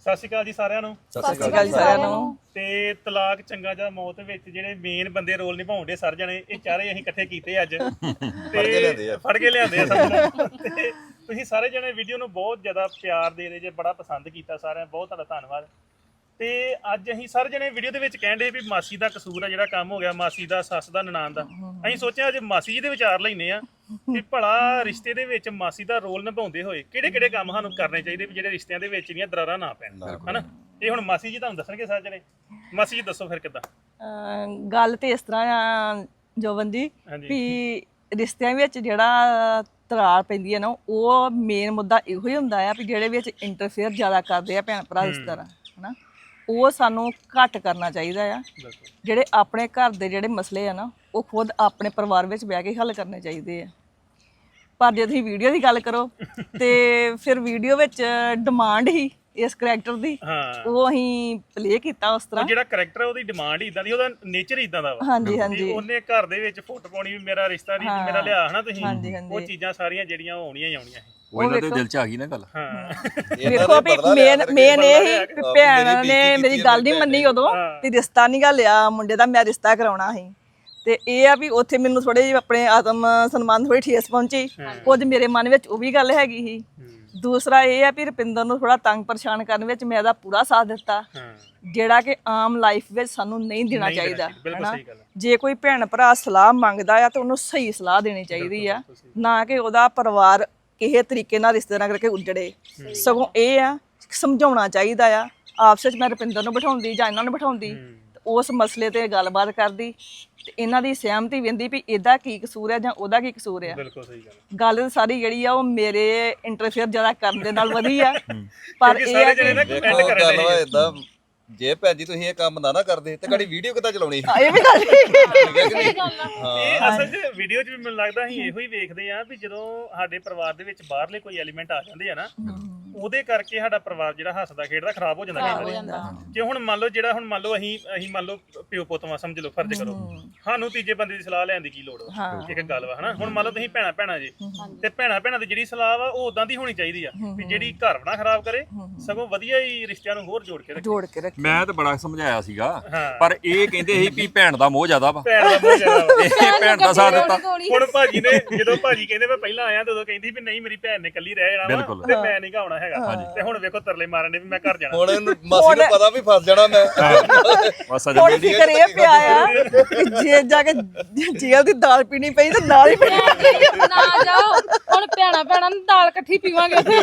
ਸਤਿ ਸ਼੍ਰੀ ਅਕਾਲ ਜੀ ਸਾਰਿਆਂ ਨੂੰ। ਸਤਿ ਸ਼੍ਰੀ ਅਕਾਲ ਸਾਰਿਆਂ ਨੂੰ। ਤੇ ਤਲਾਕ ਚੰਗਾ ਜਾਂ ਮੌਤ ਵਿੱਚ ਜਿਹੜੇ ਮੇਨ ਬੰਦੇ ਰੋਲ ਨਿਭਾਉਂਦੇ ਸਰ ਜਣੇ ਇਹ ਚਾਰੇ ਅਸੀਂ ਇਕੱਠੇ ਕੀਤੇ ਅੱਜ ਤੇ ਫੜ ਕੇ ਲਿਆਂਦੇ ਆ ਸਮਝੋ। ਤੇ ਤੁਸੀਂ ਸਾਰੇ ਜਣੇ ਵੀਡੀਓ ਨੂੰ ਬਹੁਤ ਜ਼ਿਆਦਾ ਪਿਆਰ ਦੇ ਰਹੇ ਜੇ, ਬੜਾ ਪਸੰਦ ਕੀਤਾ ਸਾਰਿਆਂ, ਬਹੁਤ ਤੁਹਾਡਾ ਧੰਨਵਾਦ। ਤੇ ਅੱਜ ਅਸੀਂ ਸਾਰੇ ਜਣੇ ਵੀਡੀਓ ਦੇ ਵਿੱਚ ਕਹਿੰਦੇ ਵੀ ਮਾਸੀ ਦਾ ਕਸੂਰ ਆ ਜਿਹੜਾ ਕੰਮ ਹੋ ਗਿਆ, ਮਾਸੀ ਦਾ, ਸੱਸ ਦਾ, ਨਨਾਣ ਦਾ। ਅਸੀਂ ਸੋਚਿਆ ਅੱਜ ਮਾਸੀ ਜੀ ਦੇ ਵਿਚਾਰ ਲੈਨੇ ਆ ਕਿ ਭਲਾ ਰਿਸ਼ਤੇ ਦੇ ਵਿੱਚ ਮਾਸੀ ਦਾ ਰੋਲ ਨਿਭਾਉਂਦੇ ਹੋਏ ਕਿਹੜੇ ਕਿਹੜੇ ਕੰਮ ਸਾਨੂੰ ਕਰਨੇ ਚਾਹੀਦੇ ਵੀ ਜਿਹੜੇ ਰਿਸ਼ਤਿਆਂ ਦੇ ਵਿੱਚ ਜਿਹੜੀਆਂ ਦਰਾਰਾਂ ਨਾ ਪੈਣ, ਹਨਾ। ਇਹ ਹੁਣ ਮਾਸੀ ਜੀ ਤੁਹਾਨੂੰ ਦੱਸਣਗੇ ਸਾਰੇ ਜਣੇ। ਮਾਸੀ ਜੀ ਦੱਸੋ ਫਿਰ ਕਿੱਦਾਂ? ਗੱਲ ਤੇ ਇਸ ਤਰ੍ਹਾਂ ਆ ਜੋਬਨ ਜੀ ਵੀ ਰਿਸ਼ਤਿਆਂ ਵਿੱਚ ਜਿਹੜਾ ਤਰਾਰ ਪੈਂਦੀ ਹੈ ਨਾ, ਉਹ ਮੇਨ ਮੁੱਦਾ ਇਹੋ ਹੀ ਹੁੰਦਾ ਆ ਵੀ ਜਿਹੜੇ ਵਿੱਚ ਇੰਟਰਫੇਅਰ ਜ਼ਿਆਦਾ ਕਰਦੇ ਆ ਭੈਣ ਭਰਾ ਇਸ ਤਰ੍ਹਾਂ, ਹਨਾ। ਉਹ ਸਾਨੂੰ ਘੱਟ ਕਰਨਾ ਚਾਹੀਦਾ ਆ। ਜਿਹੜੇ ਆਪਣੇ ਘਰ ਦੇ ਜਿਹੜੇ ਮਸਲੇ ਆ ਨਾ, ਉਹ ਖੁਦ ਆਪਣੇ ਪਰਿਵਾਰ ਵਿੱਚ ਬਹਿ ਕੇ ਹੱਲ ਕਰਨੇ ਚਾਹੀਦੇ ਆ। ਪਰ ਜੇ ਤੁਸੀਂ ਵੀਡੀਓ ਦੀ ਗੱਲ ਕਰੋ ਤੇ ਫਿਰ ਵੀਡੀਓ ਵਿੱਚ ਡਿਮਾਂਡ ਹੀ ਇਸ ਕਰੈਕਟਰ ਦੀ, ਉਹ ਅਸੀਂ ਪਲੇ ਕੀਤਾ ਉਸ ਤਰ੍ਹਾਂ। ਜਿਹੜਾ ਕਰੈਕਟਰ ਉਹਦੀ ਡਿਮਾਂਡ ਹੀ ਇਦਾਂ ਦੀ, ਉਹਦਾ ਨੇਚਰ ਹੀ ਇਦਾਂ ਦਾ ਵਾ। ਹਾਂਜੀ ਹਾਂਜੀ। ਉਹਨੇ ਘਰ ਦੇ ਵਿੱਚ ਫੁੱਟ ਪਾਉਣੀ ਵੀ ਮੇਰਾ ਰਿਸ਼ਤਾ ਨਹੀਂ, ਮੇਰਾ ਲਿਆ, ਹਨਾ ਤੁਸੀਂ। ਉਹ ਚੀਜ਼ਾਂ ਸਾਰੀਆਂ ਜਿਹੜੀਆਂ ਉਹ ਆਉਣੀਆਂ ਹੀ ਆਉਣੀਆਂ ਸੀ। ਉਹ ਇਹਨਾਂ ਦੇ ਦਿਲ 'ਚ ਆ ਗਈ ਨਾ ਗੱਲ। ਵੇਖੋ ਵੀ ਮੇਨ ਇਹ ਹੀ ਭੈਣ ਨੇ ਮੇਰੀ ਗੱਲ ਨਹੀਂ ਮੰਨੀ ਉਦੋਂ ਵੀ ਰਿਸ਼ਤਾ ਨਹੀਂ ਗਾ ਲਿਆ ਮੁੰਡੇ ਦਾ, ਮੈਂ ਰਿਸ਼ਤਾ ਕਰਾਉਣਾ ਸੀ। ਤੇ ਇਹ ਆ ਵੀ ਉੱਥੇ ਮੈਨੂੰ ਥੋੜੇ ਜਿਹੇ ਆਪਣੇ ਆਤਮ ਸਨਮਾਨ ਥੋੜੀ ਠੇਸ ਪਹੁੰਚੀ, ਕੁਝ ਮੇਰੇ ਮਨ ਵਿੱਚ ਉਹ ਵੀ ਗੱਲ ਹੈਗੀ ਸੀ। ਦੂਸਰਾ ਇਹ ਆ ਵੀ ਰੁਪਿੰਦਰ ਨੂੰ ਥੋੜਾ ਤੰਗ ਪਰੇਸ਼ਾਨ ਕਰਨ ਵਿੱਚ ਮੈਂ ਇਹਦਾ ਪੂਰਾ ਸਾਥ ਦਿੱਤਾ, ਜਿਹੜਾ ਕਿ ਆਮ ਲਾਈਫ ਵਿੱਚ ਸਾਨੂੰ ਨਹੀਂ ਦੇਣਾ ਚਾਹੀਦਾ, ਹਨਾ। ਜੇ ਕੋਈ ਭੈਣ ਭਰਾ ਸਲਾਹ ਮੰਗਦਾ ਆ ਤਾਂ ਉਹਨੂੰ ਸਹੀ ਸਲਾਹ ਦੇਣੀ ਚਾਹੀਦੀ ਆ, ਨਾ ਕਿ ਉਹਦਾ ਪਰਿਵਾਰ ਕਿਸੇ ਤਰੀਕੇ ਨਾਲ ਰਿਸ਼ਤੇ ਨਾਲ ਕਰਕੇ ਉੱਜੜੇ। ਸਗੋਂ ਇਹ ਆ ਸਮਝਾਉਣਾ ਚਾਹੀਦਾ ਆ ਆਪਸ ਵਿੱਚ। ਮੈਂ ਰੁਪਿੰਦਰ ਨੂੰ ਬਿਠਾਉਂਦੀ ਜਾਂ ਇਹਨਾਂ ਨੂੰ ਬਿਠਾਉਂਦੀ, ਉਸ ਮਸਲੇ ਤੇ ਗੱਲਬਾਤ ਕਰਦੀ ਤੇ ਇਹਨਾਂ ਦੀ ਸਹਿਮਤੀ ਵੰਦੀ ਵੀ ਇਹਦਾ ਕੀ ਕਸੂਰ ਹੈ ਜਾਂ ਉਹਦਾ ਕੀ ਕਸੂਰ ਹੈ। ਬਿਲਕੁਲ ਸਹੀ ਗੱਲ ਸਾਰੀ ਜਿਹੜੀ ਆ ਉਹ ਮੇਰੇ ਇੰਟਰਫੇਅਰ ਜ਼ਿਆਦਾ ਕਰਨ ਦੇ ਨਾਲ ਵਧੀ ਆ। ਪਰ ਇਹ ਆ ਕਿ ਜੇ ਭੈਣ ਜੀ ਤੁਸੀਂ ਇਹ ਕੰਮ ਨਾ ਕਰਦੇ ਤੇ ਕੜੀ ਵੀਡੀਓ ਕਿੱਦਾਂ ਚਲਾਉਣੀ? ਇਹ ਵੀ ਗੱਲ ਇਹ ਅਸਲ 'ਚ ਵੀਡੀਓ 'ਚ ਵੀ ਮੈਨੂੰ ਲੱਗਦਾ ਅਸੀਂ ਇਹੋ ਹੀ ਵੇਖਦੇ ਆ ਵੀ ਜਦੋਂ ਸਾਡੇ ਪਰਿਵਾਰ ਦੇ ਵਿੱਚ ਬਾਹਰਲੇ ਕੋਈ ਐਲੀਮੈਂਟ ਆ ਜਾਂਦੇ ਆ ਨਾ, ਉਹਦੇ ਕਰਕੇ ਸਾਡਾ ਪਰਿਵਾਰ ਜਿਹੜਾ ਹੱਸਦਾ ਖੇਡਦਾ ਖਰਾਬ ਹੋ ਜਾਂਦਾ। ਜੇ ਹੁਣ ਮੰਨ ਲਓ ਜਿਹੜਾ ਹੁਣ ਮੰਨ ਲਓ ਅਸੀਂ ਮੰਨ ਲਓ ਪਿਓ ਪੁੱਤ ਵਾਂ, ਸਮਝ ਲਓ, ਫਰਜ਼ ਕਰੋ, ਸਾਨੂੰ ਤੀਜੇ ਬੰਦੇ ਦੀ ਸਲਾਹ ਲੈਣ ਦੀ ਕੀ ਲੋੜ ਵਾ? ਇੱਕ ਗੱਲ ਵਾ, ਹਨਾ। ਹੁਣ ਮੰਨ ਲਓ ਤੁਸੀਂ ਭੈਣਾਂ ਜੀ, ਤੇ ਭੈਣਾਂ ਦੀ ਜਿਹੜੀ ਸਲਾਹ ਵਾ ਉਹ ਉਦਾਂ ਦੀ ਹੋਣੀ ਚਾਹੀਦੀ ਆ ਵੀ ਜਿਹੜੀ ਘਰ ਨਾ ਖਰਾਬ ਕਰੇ, ਸਗੋਂ ਵਧੀਆ ਹੀ ਰਿਸ਼ਤਿਆਂ ਨੂੰ ਹੋਰ ਜੋੜ ਕੇ ਰੱਖੇ। ਮੈਂ ਤਾਂ ਬੜਾ ਸਮਝਾਇਆ ਸੀਗਾ, ਪਰ ਇਹ ਕਹਿੰਦੇ ਸੀ ਵੀ ਭੈਣ ਦਾ ਮੋਹ ਜ਼ਿਆਦਾ ਵਾ, ਇਹ ਭੈਣ ਦਾ ਸਾਥ ਦਿੱਤਾ। ਹੁਣ ਭਾਜੀ ਨੇ ਜਦੋਂ ਭਾਜੀ ਕਹਿੰਦੇ ਮੈਂ ਪਹਿਲਾਂ ਆਇਆ ਤਾਂ ਉਦੋਂ ਕਹਿੰਦੀ ਵੀ ਨਹੀਂ ਮੇਰੀ ਭੈਣ ਨੇ ਇਕੱਲੀ ਰਹਿ ਜਾਣਾ ਵਾ ਤੇ ਮੈਂ ਨਹੀਂ ਆਉਣਾ ਹੈਗਾ। ਤੇ ਹੁਣ ਵੇਖੋ ਤਰਲੇ ਮਾਰਨ ਦੇ ਵੀ ਮੈਂ ਘਰ ਜਾਣਾ। ਹੁਣ ਮਾਸੀ ਨੂੰ ਪਤਾ ਵੀ ਫਸ ਜਾਣਾ ਮੈਂ। ਹੁਣ ਫਿਕਰ ਇਹ ਪਿਆ ਆ ਕਿ ਜੇ ਜਾ ਕੇ ਜੇਲ੍ਹ ਦੀ ਦਾਲ ਪੀਣੀ ਪਈ ਤਾਂ ਨਾਲ ਹੀ ਪੀਣੀ ਨਾ ਜਾਓ। ਹੁਣ ਭੈਣਾਂ ਨੂੰ ਦਾਲ ਇਕੱਠੀ ਪੀਵਾਂਗੇ ਉੱਥੇ।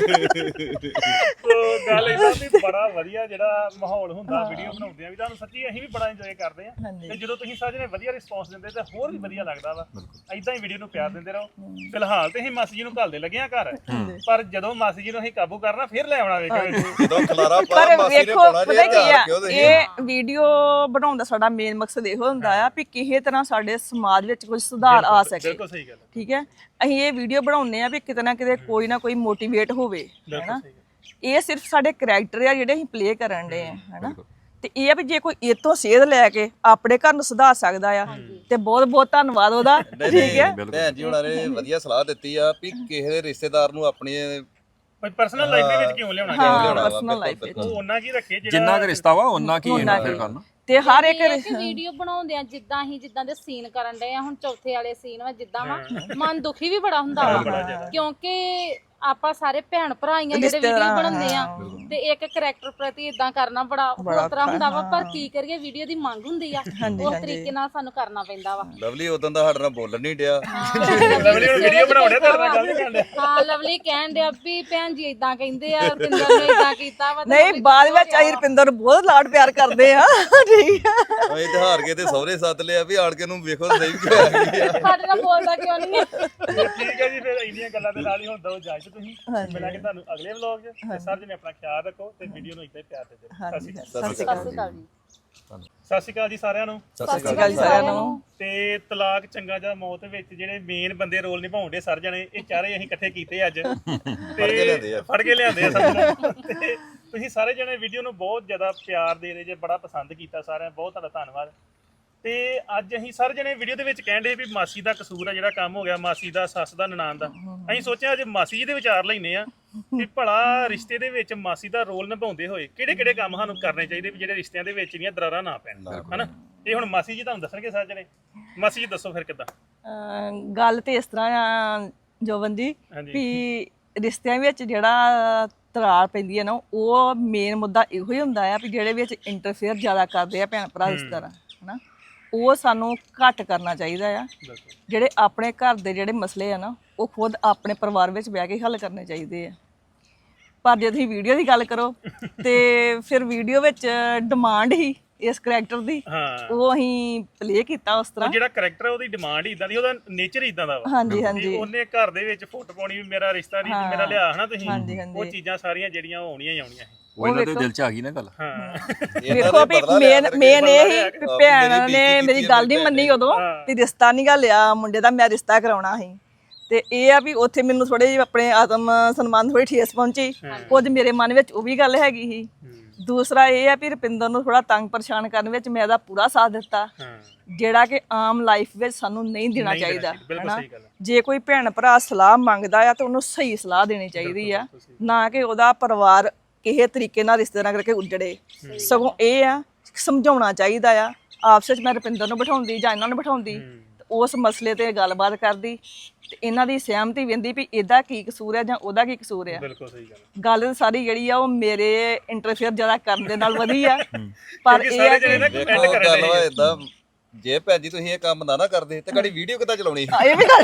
ਸੋ ਗੱਲ ਇਦਾਂ ਵੀ ਬੜਾ ਵਧੀਆ ਜਿਹੜਾ ਮਾਹੌਲ ਹੁੰਦਾ ਵੀਡੀਓ ਬਣਾਉਂਦੇ ਆ, ਵੀ ਤੁਹਾਨੂੰ ਸੱਚੀ ਅਸੀਂ ਵੀ ਬੜਾ ਇੰਜੋਏ ਕਰਦੇ ਆ। ਤੇ ਜਦੋਂ ਤੁਸੀਂ ਸਾਰੇ ਨੇ ਵਧੀਆ ਰਿਸਪੌਂਸ ਦਿੰਦੇ ਤਾਂ ਹੋਰ ਵੀ ਵਧੀਆ ਲੱਗਦਾ ਵਾ। ਇਦਾਂ ਹੀ ਵੀਡੀਓ ਨੂੰ ਪਿਆਰ ਦਿੰਦੇ ਰਹੋ। ਫਿਲਹਾਲ ਤੇ ਅਸੀਂ ਮਾਸੀ ਜੀ ਨੂੰ ਘੱਲਦੇ ਲੱਗੇ ਆ ਘਰ, ਪਰ ਜਦੋਂ ਮਾਸੀ ਜੀ ਨੂੰ ਅਸੀਂ ਕਾਬੂ ਕਰਨਾ ਫਿਰ ਲੈ ਆਉਣਾ। ਵੇਖੋ ਜਦੋਂ ਖਲਾਰਾ ਪਰ ਪਾਇਆ ਮਾਸੀ ਨੇ ਵੇਖੋ ਪਾਉਣਾ ਪਤਾ ਕੀ ਆ, ਇਹ ਵੀਡੀਓ ਬਣਾਉਣ ਦਾ ਸਾਡਾ ਮੇਨ ਮਕਸਦ ਇਹੋ ਹੁੰਦਾ ਆ ਵੀ ਕਿਸੇ ਤਰ੍ਹਾਂ ਸਾਡੇ ਸਮਾਜ ਵਿੱਚ ਕੁਝ ਸੁਧਾਰ ਆ ਸਕੇ। ਬਿਲਕੁਲ ਸਹੀ ਗੱਲ। ਠੀਕ ਹੈ, ਅਸੀਂ ਇਹ ਵੀਡੀਓ ਬਣਾਉਂਦੇ ਆ ਵੀ ਕਿਤੇ ਨਾ ਕਿਤੇ ਕੋਈ ਨਾ ਕੋਈ ਮੋਟੀਵੇਟ ਹੋਵੇ, ਹੈਨਾ। ਇਹ ਸਿਰਫ ਸਾਡੇ ਕਰੈਕਟਰ ਆ ਜਿਹੜੇ ਅਸੀਂ ਪਲੇ ਕਰਨ ਦੇ ਆ, ਹੈਨਾ। ਤੇ ਇਹ ਆ ਵੀ ਜੇ ਕੋਈ ਇਹ ਤੋਂ ਸੇਧ ਲੈ ਕੇ ਆਪਣੇ ਘਰ ਨੂੰ ਸੁਧਾਰ ਸਕਦਾ ਆ ਤੇ ਬਹੁਤ ਬਹੁਤ ਧੰਨਵਾਦ ਉਹਦਾ। ਠੀਕ ਹੈ, ਭੈਣ ਜੀ ਹੁਣਾਂ ਨੇ ਵਧੀਆ ਸਲਾਹ ਦਿੱਤੀ ਆ ਵੀ ਕਿਸੇ ਦੇ ਰਿਸ਼ਤੇਦਾਰ ਨੂੰ ਆਪਣੀ ਪਰਸਨਲ ਲਾਈਫ ਦੇ ਵਿੱਚ ਕਿਉਂ ਲਿਆਉਣਾ? ਪਰਸਨਲ ਲਾਈਫ ਵਿੱਚ ਉਹ ਉਹਨਾਂ ਕੀ ਰੱਖੇ ਜਿੰਨਾ ਕੁ ਰਿਸ਼ਤਾ ਵਾ ਉਹਨਾਂ ਕੀ ਇੰਟਰਫੇਅਰ ਕਰਨਾ। ਤੇ ਹਰ ਇੱਕ ਵੀਡੀਓ ਬਣਾਉਂਦੇ ਆ ਜਿੱਦਾਂ ਦੇ ਸੀਨ ਕਰਨ ਡਏ ਆ। ਹੁਣ ਚੌਥੇ ਵਾਲੇ ਸੀਨ ਵਾ ਜਿੱਦਾਂ ਵਾ, ਮਨ ਦੁਖੀ ਵੀ ਬੜਾ ਹੁੰਦਾ ਵਾ, ਕਿਉਂਕਿ ਆਪਾਂ ਸਾਰੇ ਭੈਣ ਭਰਾ ਹੀ ਆ ਜਿਹੜੇ ਵੀਡੀਓ ਬਣਾਉਂਦੇ ਆ। ਤੇ ਇੱਕ ਕਰੈਕਟਰ ਪ੍ਰਤੀ ਇਦਾਂ ਕਰਨਾ ਬੜਾ ਹੋਰ ਤਰ੍ਹਾਂ ਹੁੰਦਾ ਵਾ, ਪਰ ਕੀ ਕਰੀਏ, ਵੀਡੀਓ ਦੀ ਮੰਗ ਹੁੰਦੀ ਆ, ਉਸ ਤਰੀਕੇ ਨਾਲ ਸਾਨੂੰ ਕਰਨਾ ਪੈਂਦਾ ਵਾ। ਲਵਲੀ ਉਦੋਂ ਦਾ ਸਾਡੇ ਨਾਲ ਬੋਲਣ ਨਹੀਂ ਡਿਆ। ਲਵਲੀ ਹੁਣ ਵੀਡੀਓ ਬਣਾਉਣੇ ਤੇਰੇ ਨਾਲ ਗੱਲ ਨਹੀਂ ਕਰਦੇ। ਹਾਂ, ਲਵਲੀ ਕਹਿਣ ਡਿਆ ਵੀ ਭੈਣ ਜੀ ਇਦਾਂ ਕਹਿੰਦੇ ਆ, ਰੁਪਿੰਦਰ ਨੇ ਇਦਾਂ ਕੀਤਾ ਵਾ। ਨਹੀਂ, ਬਾਅਦ ਵਿੱਚ ਅਸੀਂ ਰੁਪਿੰਦਰ ਨੂੰ ਬਹੁਤ ਲਾਡ ਪਿਆਰ ਕਰਦੇ ਆ। ਠੀਕ ਆ, ਅਸੀਂ ਤੇ ਹਾਰ ਕੇ ਤੇ ਸਹੁਰੇ ਸੱਦ ਲਿਆ ਵੀ ਆੜ ਕੇ ਨੂੰ ਵੇਖੋ ਸਹੀ ਕੀ ਹੋਇਆ। ਸਾਡੇ ਨਾਲ ਬੋਲਦਾ ਕਿਉਂ ਨਹੀਂ ਹੈ? ਠੀਕ ਹੈ ਜੀ, ਫਿਰ ਇੰਨੀਆਂ ਗੱਲਾਂ ਦੇ ਨਾਲ ਹੀ ਹੁੰਦਾ ਇਜਾਜ਼ਤ। ਤੁਸੀਂ ਮਿਲਾਂਗੇ ਤੁਹਾਨੂੰ ਅਗਲੇ ਵਲੌਗ 'ਚ। ਤੇ ਸਰ ਜੀ ਨੇ ਆਪਣਾ ਖਿਆਲ ਰੱਖੋ ਤੇ ਵੀਡੀਓ ਨੂੰ ਇੱਦਾਂ ਹੀ ਪਿਆਰ ਦਿੰਦੇ ਰਹੋ। ਸਤਿ ਸ਼੍ਰੀ ਅਕਾਲ ਜੀ। ਸਤਿ ਸ਼੍ਰੀ ਅਕਾਲ ਜੀ ਸਾਰਿਆਂ ਨੂੰ। ਸਤਿ ਸ਼੍ਰੀ ਅਕਾਲ ਸਾਰਿਆਂ ਨੂੰ। ਤੇ ਤਲਾਕ ਚੰਗਾ ਜਾਂ ਮੌਤ ਵਿੱਚ ਜਿਹੜੇ ਮੇਨ ਬੰਦੇ ਰੋਲ ਨਿਭਾਉਂਦੇ ਸਰ ਜਣੇ ਇਹ ਚਾਰੇ ਅਸੀਂ ਇਕੱਠੇ ਕੀਤੇ ਅੱਜ ਤੇ ਫੜ ਕੇ ਲਿਆਂਦੇ ਆ ਸਮਝੋ। ਤੇ ਤੁਸੀਂ ਸਾਰੇ ਜਣੇ ਵੀਡੀਓ ਨੂੰ ਬਹੁਤ ਜ਼ਿਆਦਾ ਪਿਆਰ ਦੇ ਰਹੇ ਜੇ, ਬੜਾ ਪਸੰਦ ਕੀਤਾ ਸਾਰਿਆਂ, ਬਹੁਤ ਤੁਹਾਡਾ ਧੰਨਵਾਦ। ਤੇ ਅੱਜ ਅਸੀਂ ਸਾਰੇ ਜਣੇ ਵੀਡੀਓ ਦੇ ਵਿੱਚ ਕਹਿੰਦੇ ਵੀ ਮਾਸੀ ਦਾ ਕਸੂਰ ਆ ਜਿਹੜਾ ਕੰਮ ਹੋ ਗਿਆ, ਮਾਸੀ ਦਾ, ਸੱਸ ਦਾ, ਨਨਾਣ ਦਾ। ਅਸੀਂ ਸੋਚਿਆ ਅੱਜ ਮਾਸੀ ਜੀ ਦੇ ਵਿਚਾਰ ਲੈਨੇ ਆ ਵੀ ਭਲਾ ਰਿਸ਼ਤੇ ਦੇ ਵਿੱਚ ਮਾਸੀ ਦਾ ਰੋਲ ਨਿਭਾਉਂਦੇ ਹੋਏ ਕਿਹੜੇ ਕੰਮ ਸਾਨੂੰ ਕਰਨੇ ਚਾਹੀਦੇ ਵੀ ਜਿਹੜੇ ਰਿਸ਼ਤਿਆਂ ਦੇ ਵਿੱਚ ਜਿਹੜੀਆਂ ਦਰਾਰਾਂ ਨਾ ਪੈਣ, ਹਨਾ। ਇਹ ਹੁਣ ਮਾਸੀ ਜੀ ਤੁਹਾਨੂੰ ਦੱਸਣਗੇ ਸਾਰੇ ਜਣੇ। ਮਾਸੀ ਜੀ ਦੱਸੋ ਫਿਰ ਕਿੱਦਾਂ? ਗੱਲ ਤੇ ਇਸ ਤਰ੍ਹਾਂ ਆ ਜੋਬਨ ਜੀ ਵੀ ਰਿਸ਼ਤਿਆਂ ਵਿੱਚ ਜਿਹੜਾ ਤਰਾਰ ਪੈਂਦੀ ਹੈ ਨਾ, ਉਹ ਮੇਨ ਮੁੱਦਾ ਇਹੋ ਹੀ ਹੁੰਦਾ ਆ ਵੀ ਜਿਹੜੇ ਵਿੱਚ ਇੰਟਰਫੇਅਰ ਜ਼ਿਆਦਾ ਕਰਦੇ ਆ ਭੈਣ ਭਰਾ ਇਸ ਤਰ੍ਹਾਂ, ਹਨਾ, ਉਹ ਸਾਨੂੰ ਘੱਟ ਕਰਨਾ ਚਾਹੀਦਾ ਆ। ਜਿਹੜੇ ਆਪਣੇ ਘਰ ਦੇ ਜਿਹੜੇ ਮਸਲੇ ਆ ਨਾ, ਉਹ ਖੁਦ ਆਪਣੇ ਪਰਿਵਾਰ ਵਿੱਚ ਬਹਿ ਕੇ ਹੱਲ ਕਰਨੇ ਚਾਹੀਦੇ ਆ। ਪਰ ਜੇ ਤੁਸੀਂ ਵੀਡੀਓ ਦੀ ਗੱਲ ਕਰੋ ਤੇ ਫਿਰ ਵੀਡੀਓ ਵਿੱਚ ਡਿਮਾਂਡ ਹੀ ਇਸ ਕਰੈਕਟਰ ਦੀ, ਉਹ ਅਸੀਂ ਪਲੇ ਕੀਤਾ ਉਸ ਤਰ੍ਹਾਂ। ਜਿਹੜਾ ਕਰੈਕਟਰ ਉਹਦੀ ਡਿਮਾਂਡ ਹੀ ਇਦਾਂ ਦੀ, ਉਹਦਾ ਨੇਚਰ ਹੀ ਇਦਾਂ ਦਾ ਵਾ। ਹਾਂਜੀ ਹਾਂਜੀ, ਉਹਨੇ ਘਰ ਦੇ ਵਿੱਚ ਫੁੱਟ ਪਾਉਣੀ ਵੀ ਮੇਰਾ ਰਿਸ਼ਤਾ ਨਹੀਂ, ਮੇਰਾ ਲਿਆ, ਹਨਾ ਤੁਸੀਂ। ਉਹ ਚੀਜ਼ਾਂ ਸਾਰੀਆਂ ਜਿਹੜੀਆਂ ਉਹ ਆਉਣੀਆਂ ਹੀ ਆਉਣੀਆਂ। ਉਹ ਇਹਨਾਂ ਦੇ ਦਿਲ 'ਚ ਆ ਗਈ ਨਾ ਗੱਲ। ਵੇਖੋ ਵੀ ਮੇਨ ਇਹ ਹੀ ਵੀ ਭੈਣ ਨੇ ਮੇਰੀ ਗੱਲ ਨਹੀਂ ਮੰਨੀ ਉਦੋਂ ਵੀ ਰਿਸ਼ਤਾ ਨਹੀਂ ਗਾ ਲਿਆ ਮੁੰਡੇ ਦਾ, ਮੈਂ ਰਿਸ਼ਤਾ ਕਰਾਉਣਾ ਸੀ। ਤੇ ਇਹ ਆ ਵੀ ਉੱਥੇ ਮੈਨੂੰ ਥੋੜੇ ਜਿਹੇ ਆਪਣੇ ਆਤਮ ਸਨਮਾਨ ਥੋੜੀ ਠੇਸ ਪਹੁੰਚੀ, ਕੁਝ ਮੇਰੇ ਮਨ ਵਿੱਚ ਉਹ ਵੀ ਗੱਲ ਹੈਗੀ ਸੀ। ਦੂਸਰਾ ਇਹ ਆ ਵੀ ਰੁਪਿੰਦਰ ਨੂੰ ਥੋੜਾ ਤੰਗ ਪਰੇਸ਼ਾਨ ਕਰਨ ਵਿੱਚ ਮੈਂ ਇਹਦਾ ਪੂਰਾ ਸਾਥ ਦਿੱਤਾ, ਜਿਹੜਾ ਕਿ ਆਮ ਲਾਈਫ ਵਿੱਚ ਸਾਨੂੰ ਨਹੀਂ ਦੇਣਾ ਚਾਹੀਦਾ, ਹਨਾ। ਜੇ ਕੋਈ ਭੈਣ ਭਰਾ ਸਲਾਹ ਮੰਗਦਾ ਆ ਤਾਂ ਉਹਨੂੰ ਸਹੀ ਸਲਾਹ ਦੇਣੀ ਚਾਹੀਦੀ ਆ, ਨਾ ਕਿ ਉਹਦਾ ਪਰਿਵਾਰ ਕਿਸੇ ਤਰੀਕੇ ਨਾਲ ਰਿਸ਼ਤੇਦਾਰਾਂ ਕਰਕੇ ਉੱਜੜੇ। ਸਗੋਂ ਇਹ ਆ ਸਮਝਾਉਣਾ ਚਾਹੀਦਾ ਆ ਆਪਸ ਵਿੱਚ। ਮੈਂ ਰੁਪਿੰਦਰ ਨੂੰ ਬਿਠਾਉਂਦੀ ਜਾਂ ਇਹਨਾਂ ਨੂੰ ਬਿਠਾਉਂਦੀ, ਉਸ ਮਸਲੇ ਤੇ ਗੱਲਬਾਤ ਕਰਦੀ ਤੇ ਇਹਨਾਂ ਦੀ ਸਹਿਮਤੀ ਵੰਦੀ ਵੀ ਇਹਦਾ ਕੀ ਕਸੂਰ ਹੈ ਜਾਂ ਉਹਦਾ ਕੀ ਕਸੂਰ ਹੈ। ਬਿਲਕੁਲ ਸਹੀ ਗੱਲ ਸਾਰੀ ਜਿਹੜੀ ਆ ਉਹ ਮੇਰੇ ਇੰਟਰਫੇਅਰ ਜ਼ਿਆਦਾ ਕਰਨ ਦੇ ਨਾਲ ਵਧੀ ਆ। ਪਰ ਇਹ ਆ ਕਿ ਦੇਖੋ ਗੱਲ ਵਾ ਏਦਾਂ, ਜੇ ਭੈਣ ਜੀ ਤੁਸੀਂ ਇਹ ਕੰਮ ਨਾ ਕਰਦੇ ਤੇ ਕੜੀ ਵੀਡੀਓ ਕਿੱਦਾਂ ਚਲਾਉਣੀ ਸੀ? ਇਹ ਵੀ ਗੱਲ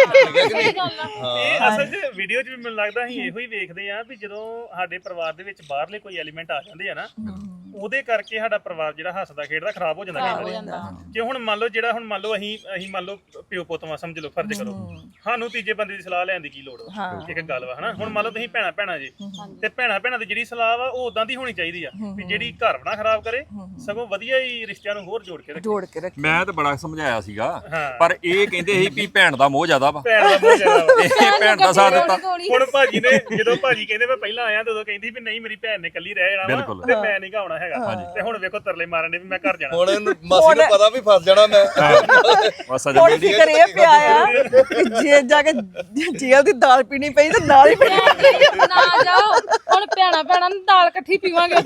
ਇਹ ਅਸਲ 'ਚ ਵੀਡੀਓ 'ਚ ਵੀ ਮੈਨੂੰ ਲੱਗਦਾ ਅਸੀਂ ਇਹੋ ਹੀ ਵੇਖਦੇ ਆ ਵੀ ਜਦੋਂ ਸਾਡੇ ਪਰਿਵਾਰ ਦੇ ਵਿੱਚ ਬਾਹਰਲੇ ਕੋਈ ਐਲੀਮੈਂਟ ਆ ਜਾਂਦੇ ਆ ਨਾ, ਉਹਦੇ ਕਰਕੇ ਸਾਡਾ ਪਰਿਵਾਰ ਜਿਹੜਾ ਹੱਸਦਾ ਖੇਡਦਾ ਖਰਾਬ ਹੋ ਜਾਂਦਾ ਕਈ ਵਾਰੀ। ਕਿ ਹੁਣ ਮੰਨ ਲਓ ਜਿਹੜਾ ਹੁਣ ਮੰਨ ਲਓ ਅਸੀਂ ਮੰਨ ਲਓ ਪਿਓ ਪੁੱਤਵਾ ਸਮਝ ਲਓ, ਫਰਜ਼ ਕਰੋ, ਸਾਨੂੰ ਤੀਜੇ ਬੰਦੇ ਦੀ ਸਲਾਹ ਲੈਣ ਦੀ ਕੀ ਲੋੜ ਵਾ? ਇੱਕ ਗੱਲ ਵਾ, ਹਨਾ। ਹੁਣ ਮੰਨ ਲਓ ਤੁਸੀਂ ਭੈਣਾਂ ਜੀ, ਤੇ ਭੈਣਾਂ ਦੀ ਜਿਹੜੀ ਸਲਾਹ ਵਾ ਉਹ ਉਦਾਂ ਦੀ ਹੋਣੀ ਚਾਹੀਦੀ ਆ ਵੀ ਜਿਹੜੀ ਘਰ ਨਾ ਖਰਾਬ ਕਰੇ, ਸਗੋਂ ਵਧੀਆ ਹੀ ਰਿਸ਼ਤਿਆਂ ਨੂੰ ਹੋਰ ਜੋੜ ਕੇ ਰੱਖੇ। ਮੈਂ ਤਾਂ ਬੜਾ ਸਮਝਾਇਆ ਸੀਗਾ, ਪਰ ਇਹ ਕਹਿੰਦੇ ਸੀ ਵੀ ਭੈਣ ਦਾ ਮੋਹ ਜ਼ਿਆਦਾ ਵਾ, ਭੈਣ ਦਾ ਮੋਹ ਜ਼ਿਆਦਾ ਵਾ। ਇਹ ਭੈਣ ਦਾ ਸਾਥ ਦਿੱਤਾ। ਹੁਣ ਭਾਜੀ ਨੇ ਜਦੋਂ ਭਾਜੀ ਕਹਿੰਦੇ ਮੈਂ ਪਹਿਲਾਂ ਆਇਆ ਤੇ ਉਦੋਂ ਕਹਿੰਦੀ ਵੀ ਨਹੀਂ ਮੇਰੀ ਭੈਣ ਨੇ ਇਕੱਲੀ ਰਹਿ ਜਾਣਾ ਵਾ ਤੇ ਮੈਂ ਨਹੀਂ ਗਾਉਣਾ ਹੈਗਾ, ਤੇ ਹੁਣ ਵੇਖੋ ਤਰਲੇ ਮਾਰਨ ਦੇ ਵੀ ਮੈਂ ਘਰ ਜਾਣਾ। ਹੁਣ ਮਾਸੀ ਨੂੰ ਪਤਾ ਵੀ ਫਸ ਜਾਣਾ ਮੈਂ। ਬਸ ਅਜੇ ਹੁਣ ਫਿਕਰ ਇਹ ਪਿਆ ਆ ਕਿ ਜੇ ਜਾ ਕੇ ਜੇਲ੍ਹ ਦੀ ਦਾਲ ਪੀਣੀ ਪਈ ਤਾਂ ਨਾਲ ਹੀ ਪੀਣੀ। ਨਾ ਜਾਓ, ਹੁਣ ਭੈਣਾਂ ਨੂੰ ਦਾਲ ਇਕੱਠੀ ਪੀਵਾਂਗੇ।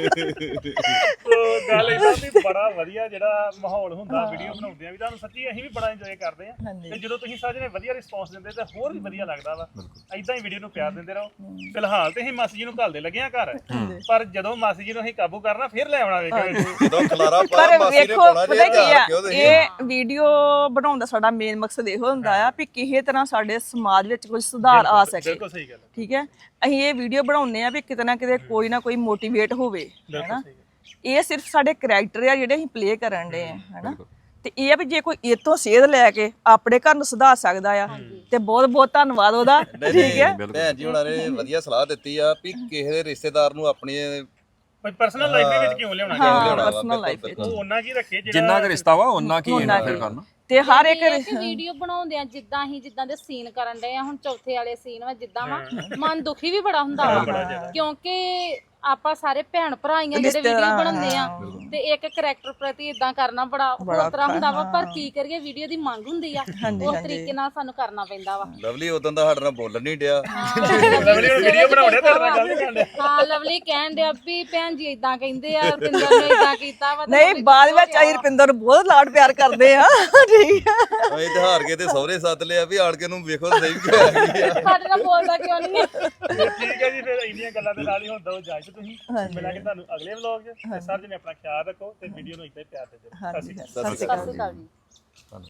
ਉਹ ਗੱਲ ਇਦਾਂ ਵੀ ਬੜਾ ਵਧੀਆ ਜਿਹੜਾ ਮਾਹੌਲ ਹੁੰਦਾ ਵੀਡੀਓ ਬਣਾਉਂਦੇ ਆ, ਵੀ ਤੁਹਾਨੂੰ ਸੱਚੀ ਅਸੀਂ ਵੀ ਬੜਾ ਇੰਜੋਏ ਕਰਦੇ ਆ। ਤੇ ਜਦੋਂ ਤੁਸੀਂ ਸਾਰੇ ਜਣੇ ਵਧੀਆ ਰਿਸਪੌਂਸ ਦਿੰਦੇ ਤਾਂ ਹੋਰ ਵੀ ਵਧੀਆ ਲੱਗਦਾ ਵਾ। ਇਦਾਂ ਹੀ ਵੀਡੀਓ ਨੂੰ ਪਿਆਰ ਦਿੰਦੇ ਰਹੋ। ਫਿਲਹਾਲ ਤੇ ਅਸੀਂ ਮਾਸੀ ਜੀ ਨੂੰ ਘੱਲਦੇ ਲੱਗੇ ਆ ਘਰ, ਪਰ ਜਦੋਂ ਮਾਸੀ ਜੀ ਨੂੰ ਅਸੀਂ ਕਾਬੂ ਕਰਨਾ ਫਿਰ ਲੈ ਆਉਣਾ ਵੇਖੋ। ਜਦੋਂ ਖਲਾਰਾ ਪਾ ਪਰ ਮਾਸੀ ਨੇ ਵੇਖੋ ਪਾਉਣਾ ਪਤਾ ਕੀ ਆ, ਜੇ ਇਹ ਵੀਡੀਓ ਬਣਾਉਣ ਦਾ ਸਾਡਾ ਮੇਨ ਮਕਸਦ ਇਹੋ ਹੁੰਦਾ ਆ ਵੀ ਕਿਸੇ ਤਰ੍ਹਾਂ ਸਾਡੇ ਸਮਾਜ ਵਿੱਚ ਕੁਝ ਸੁਧਾਰ ਆ ਸਕੇ। ਬਿਲਕੁਲ ਸਹੀ ਗੱਲ, ਠੀਕ ਹੈ। ਅਸੀਂ ਇਹ ਵੀਡੀਓ ਬਣਾਉਂਦੇ ਆ ਵੀ ਕਿਤੇ ਨਾ ਕਿਤੇ ਕੋਈ ਨਾ ਕੋਈ ਮੋਟੀਵੇਟ ਹੋਵੇ, ਹੈਨਾ। ਇਹ ਸਿਰਫ ਸਾਡੇ ਕਰੈਕਟਰ ਆ ਜਿਹੜੇ ਅਸੀਂ ਪਲੇ ਕਰਨ ਦੇ ਆ, ਹੈਨਾ। ਤੇ ਇਹ ਆ ਵੀ ਜੇ ਕੋਈ ਇਹ ਤੋਂ ਸੇਧ ਲੈ ਕੇ ਆਪਣੇ ਘਰ ਨੂੰ ਸੁਧਾਰ ਸਕਦਾ ਆ ਤੇ ਬਹੁਤ ਬਹੁਤ ਧੰਨਵਾਦ ਉਹਦਾ। ਠੀਕ ਹੈ, ਭੈਣ ਜੀ ਹੁਣਾਂ ਨੇ ਵਧੀਆ ਸਲਾਹ ਦਿੱਤੀ ਆ ਵੀ ਕਿਸੇ ਦੇ ਰਿਸ਼ਤੇਦਾਰ ਨੂੰ ਆਪਣੀ ਪਰਸਨਲ ਲਾਈਫ ਦੇ ਵਿੱਚ ਕਿਉਂ ਲਿਆਉਣਾ? ਪਰਸਨਲ ਲਾਈਫ ਵਿੱਚ ਉਹ ਉਹਨਾਂ ਕੀ ਰੱਖੇ ਜਿੰਨਾ ਕੁ ਰਿਸ਼ਤਾ ਵਾ ਉਹਨਾਂ ਕੀ ਇੰਟਰਫੇਅਰ ਕਰਨਾ। ਤੇ ਹਰ ਇੱਕ ਵੀਡੀਓ ਬਣਾਉਂਦੇ ਆ ਜਿੱਦਾਂ ਦੇ ਸੀਨ ਕਰਨ ਡਏ ਆ, ਹੁਣ ਚੌਥੇ ਵਾਲੇ ਸੀਨ ਵਾ ਜਿੱਦਾਂ ਵਾ, ਮਨ ਦੁਖੀ ਵੀ ਬੜਾ ਹੁੰਦਾ ਵਾ, ਕਿਉਂਕਿ ਆਪਾਂ ਸਾਰੇ ਭੈਣ ਭਰਾ ਹੀ ਆ ਜਿਹੜੇ ਵੀਡੀਓ ਬਣਾਉਂਦੇ ਆ, ਤੇ ਇੱਕ ਕਰੈਕਟਰ ਪ੍ਰਤੀ ਇਦਾਂ ਕਰਨਾ ਬੜਾ ਹੋਰ ਤਰ੍ਹਾਂ ਹੁੰਦਾ ਵਾ। ਪਰ ਕੀ ਕਰੀਏ, ਵੀਡੀਓ ਦੀ ਮੰਗ ਹੁੰਦੀ ਆ, ਉਸ ਤਰੀਕੇ ਨਾਲ ਸਾਨੂੰ ਕਰਨਾ ਪੈਂਦਾ ਵਾ। ਲਵਲੀ ਉਦੋਂ ਦਾ ਸਾਡੇ ਨਾਲ ਬੋਲਣ ਨਹੀਂ ਡਿਆ। ਵੀਡੀਓ ਬਣਾਉਣੇ ਤੇਰੇ ਨਾਲ ਗੱਲ ਨਹੀਂ ਕਰਦੇ। ਹਾਂ, ਲਵਲੀ ਕਹਿਣ ਡਿਆ ਵੀ ਭੈਣ ਜੀ ਇਦਾਂ ਕਹਿੰਦੇ ਆ, ਰੁਪਿੰਦਰ ਨੇ ਇਦਾਂ ਕੀਤਾ ਵਾ। ਨਹੀਂ, ਬਾਅਦ ਵਿੱਚ ਅਸੀਂ ਰੁਪਿੰਦਰ ਨੂੰ ਬਹੁਤ ਲਾਡ ਪਿਆਰ ਕਰਦੇ ਆ। ਠੀਕ ਆ, ਅਸੀਂ ਤੇ ਹਾਰ ਕੇ ਤੇ ਸਹੁਰੇ ਸੱਦ ਲਿਆ ਵੀ ਆਣ ਕੇ ਨੂੰ ਵੇਖੋ ਸਹੀ ਕੀ ਹੋਇਆ। ਸਾਡੇ ਨਾਲ ਬੋਲਦਾ ਕਿਉਂ ਨਹੀਂ ਹੈ? ਠੀਕ ਹੈ ਜੀ, ਫਿਰ ਇੰਨੀਆਂ ਗੱਲਾਂ ਦੇ ਨਾਲ ਹੀ ਹੁਣ ਦੋ ਇਜਾਜ਼ਤ। ਤੁਸੀਂ ਮਿਲਾਂਗੇ ਤੁਹਾਨੂੰ ਅਗਲੇ ਵਲੌਗ 'ਚ। ਸਰ ਜੀ ਨੇ ਆਪਣਾ ਖਿਆਲ ਰੱਖੋ ਤੇ ਵੀਡੀਓ ਨੂੰ ਇੱਦਾਂ ਹੀ ਪਿਆਰ ਦਿਓ। ਸਤਿ ਸ਼੍ਰੀ ਅਕਾਲ। ਸਤਿ ਸ਼੍ਰੀ ਅਕਾਲ ਜੀ।